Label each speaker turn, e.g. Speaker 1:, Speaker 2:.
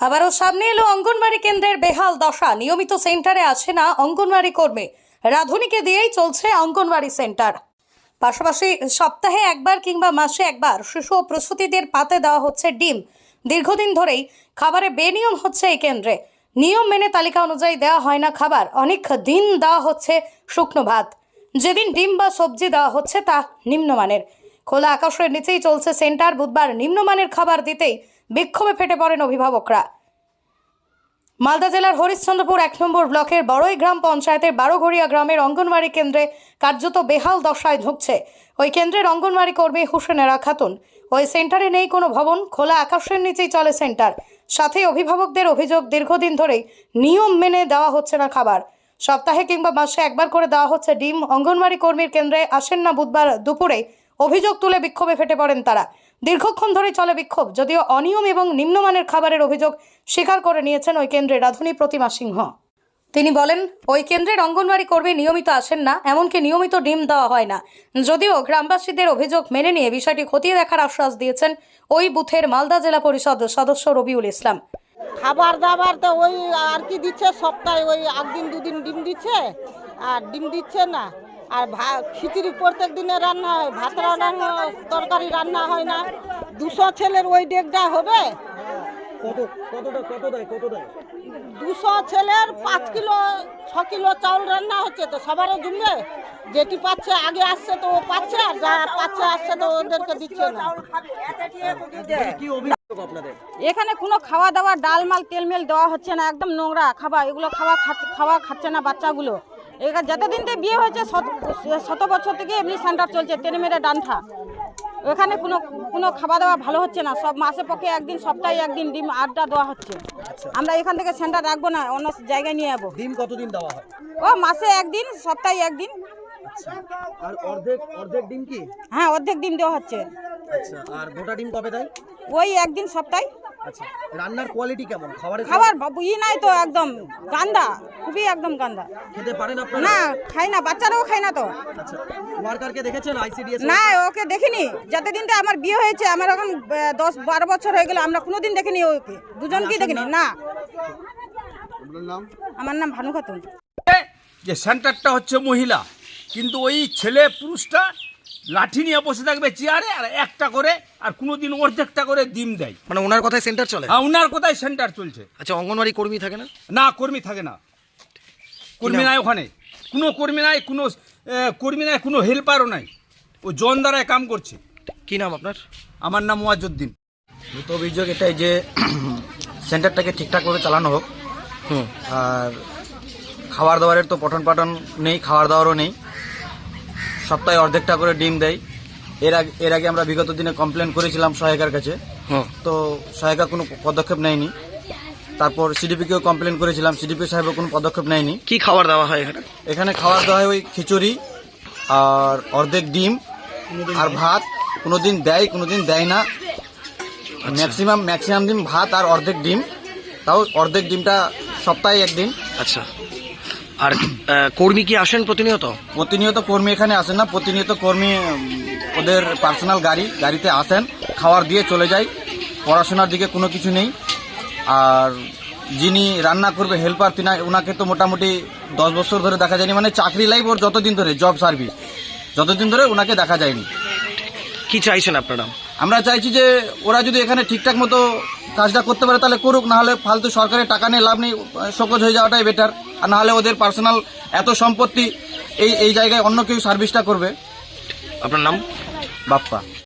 Speaker 1: আবারও সামনে এলো অঙ্গনওয়াড়ি কেন্দ্রের বেহাল দশা। নিয়মিত সেন্টারে আসে না অঙ্গনওয়াড়ি কর্মী, রাঁধুনিকে দিয়েই চলছে অঙ্গনওয়াড়ি সেন্টার। পাশাপাশি সপ্তাহে একবার কিংবা মাসে একবার শিশু ও প্রসূতিদের পাতে দেওয়া হচ্ছে ডিম। দীর্ঘদিন ধরেই খাবারে বেনিয়ম হচ্ছে এই কেন্দ্রে। নিয়ম মেনে তালিকা অনুযায়ী দেওয়া হয় না খাবার। অনেক দিন দেওয়া হচ্ছে শুকনো ভাত। যেদিন ডিম বা সবজি দেওয়া হচ্ছে তা নিম্নমানের। খোলা আকাশের নিচেই চলছে সেন্টার। বুধবার নিম্নমানের খাবার দিতেই বিক্ষোভে ফেটে পড়েন অভিভাবকরা। মালদা জেলার হরিশ্চন্দ্রপুর ১ নম্বর ব্লকের বড়ই গ্রাম পঞ্চায়েতের বারোঘড়িয়া গ্রামের অঙ্গনওয়াড়ি কেন্দ্রে কার্যত বেহাল দশায় ঢুকছে ওই কেন্দ্রের অঙ্গনওয়াড়ি কর্মী হুসেনেরা খাতুন। ওই সেন্টারে নেই কোনো ভবন, খোলা আকাশের নিচেই চলে সেন্টার। সাথে অভিভাবকদের অভিযোগ, দীর্ঘদিন ধরেই নিয়ম মেনে দেওয়া হচ্ছে না খাবার। সপ্তাহে কিংবা মাসে একবার করে দেওয়া হচ্ছে ডিম। অঙ্গনওয়াড়ি কর্মীর কেন্দ্রে আসেন না বুধবার দুপুরে। অভিযোগ তুলে বিক্ষোভে ফেটে পড়েন তারা। দীর্ঘক্ষণ ধরে চলে বিক্ষোভ। যদিও অনিয়ম এবং নিম্নমানের খাবারের অভিযোগ স্বীকার করে নিয়েছেন ওই কেন্দ্রের রাঁধুনি প্রতিমা সিংহ। তিনি বলেন, ওই কেন্দ্রের অঙ্গনওয়াড়ি কর্মী নিয়মিত আসেন না, এমনকি নিয়মিত ডিম দেওয়া হয় না। যদিও গ্রামবাসীদের অভিযোগ মেনে নিয়ে বিষয়টি খতিয়ে দেখার আশ্বাস দিয়েছেন ওই বুথের মালদা জেলা পরিষদ সদস্য রবিউল ইসলাম।
Speaker 2: খাবার দাবার তো ওই আর কি দিচ্ছে, সপ্তাহে ওই একদিন দুদিন ডিম দিচ্ছে, আর ডিম দিচ্ছে না। আর খিচুড়ি প্রত্যেক দিনে রান্না হয়, ভাত রান্না, তরকারি রান্না হয় না। 200 ছেলের ওই ডেকটা হবে। 200 ছেলের 5 কিলো 6 কিলো চাউল রান্না হচ্ছে, তো সবারও জমবে। যেটি পাচ্ছে আগে আসছে তো ও পাচ্ছে, আর যা পাচ্ছে আসছে তো ওদেরকে দিচ্ছে না। এখানে কোনো খাওয়া দাওয়া, ডাল মাল তেল মেল দেওয়া হচ্ছে না, একদম নোংরা খাবার। এগুলো খাওয়া খাচ্ছে না বাচ্চাগুলো। এখানে যতদিন থেকে বিয়ে হয়েছে শত বছর থেকে এমনি সেন্টার চলছে, টেনে মেরে ডান্ঠা। এখানে কোনো খাওয়া দাওয়া ভালো হচ্ছে না। সব মাসে পক্ষে একদিন, সপ্তাহে একদিন ডিম আড্ডা দেওয়া হচ্ছে। আমরা এখান থেকে সেন্টার রাখবো না, অন্য জায়গায় নিয়ে যাবো।
Speaker 3: ডিম কতদিন দেওয়া হয়?
Speaker 2: ও মাসে একদিন, সপ্তাহে একদিন।
Speaker 3: আর অর্ধেক ডিম কি?
Speaker 2: হ্যাঁ, অর্ধেক ডিম দেওয়া হচ্ছে।
Speaker 3: আচ্ছা, আর গোটা ডিম কবে দেয়?
Speaker 2: ওই একদিন সপ্তাহে।
Speaker 3: আচ্ছা, রান্নার কোয়ালিটি কেমন?
Speaker 2: খাবার নাই তো, একদম গান্দা, খুবই একদম গান্দা।
Speaker 3: খেতে পারেন আপনারা?
Speaker 2: না, খাই না, বাচ্চারাও খায় না তো।
Speaker 3: আচ্ছা, ওয়ার্কারকে দেখেছেন আইসিডিএস?
Speaker 2: না, ওকে দেখিনি। যতদিন তো আমার বিয়ে হয়েছে, আমার এখন 10-12 বছর হয়ে গেল, আমরা কোনোদিন দেখিনি ওকে, দুজনকেই দেখিনি। না, আমার নাম ভানু খাতুন।
Speaker 4: যে সেন্টারটা হচ্ছে মহিলা, কিন্তু ওই ছেলে পুরুষটা লাঠি নিয়ে বসে থাকবে চেয়ারে, আর একটা করে, আর কোনোদিন অর্ধেকটা করে ডিম দেয়।
Speaker 3: মানে ওনার কথায় সেন্টার চলে?
Speaker 4: হ্যাঁ, ওনার কোথায় সেন্টার চলছে।
Speaker 3: আচ্ছা, অঙ্গনওয়াড়ি কর্মী থাকে না?
Speaker 4: না, কর্মী থাকে না। কর্মী নাই ওখানে, কোনো কর্মী নাই, কোনো হেল্পারও নাই। ও জন দ্বারায় কাম করছে।
Speaker 3: কি নাম আপনার?
Speaker 4: আমার নাম ওয়াজউদ্দিন।
Speaker 5: মূলত অভিযোগ এটাই যে সেন্টারটাকে ঠিকঠাকভাবে চালানো হোক। আর খাবার দাবারের তো পঠন পাঠন নেই, খাবার দাবারও নেই। সপ্তাহে অর্ধেকটা করে ডিম দেয়। এর আগে আমরা বিগত দিনে কমপ্লেন করেছিলাম সহায়িকার কাছে, তো সহায়িকা কোনো পদক্ষেপ নেয়নি। তারপর সিডিপিকেও কমপ্লেন করেছিলাম, সিডিপি সাহেবও কোনো পদক্ষেপ নেয়নি।
Speaker 3: কি খাবার দেওয়া হয় এখানে?
Speaker 5: এখানে খাবার দেওয়া হয় ওই খিচুড়ি আর অর্ধেক ডিম আর ভাত। কোনোদিন দেয়, কোনোদিন দেয় না। ম্যাক্সিমাম দিন ভাত আর অর্ধেক ডিম, তাও অর্ধেক ডিমটা সপ্তাহে একদিন।
Speaker 3: আচ্ছা, আর কর্মী কি আসেন প্রতিনিয়ত?
Speaker 5: প্রতিনিয়ত কর্মী এখানে আসেন না। প্রতিনিয়ত কর্মী ওদের পার্সোনাল গাড়িতে আসেন, খাবার দিয়ে চলে যায়। পড়াশোনার দিকে কোনো কিছু নেই। আর যিনি রান্না করবে হেল্পার, ওনাকে তো মোটামুটি 10 বছর ধরে দেখা যায়নি। মানে চাকরি লাইফ ওর যতদিন ধরে, জব সার্ভিস যতদিন ধরে, ওনাকে দেখা যায়নি।
Speaker 3: কি চাইছেন আপনারা?
Speaker 5: আমরা চাইছি যে ওরা যদি এখানে ঠিকঠাক মতো কাজটা করতে পারে তাহলে করুক, নাহলে ফালতু সরকারের টাকা নিয়ে লাভ নেই, শোকজ হয়ে যাওয়াটাই বেটার। আর নাহলে ওদের পার্সোনাল এত সম্পত্তি, এই জায়গায় অন্য কেউ সার্ভিসটা করবে।
Speaker 3: আপনার নাম?
Speaker 5: বাপ্পা।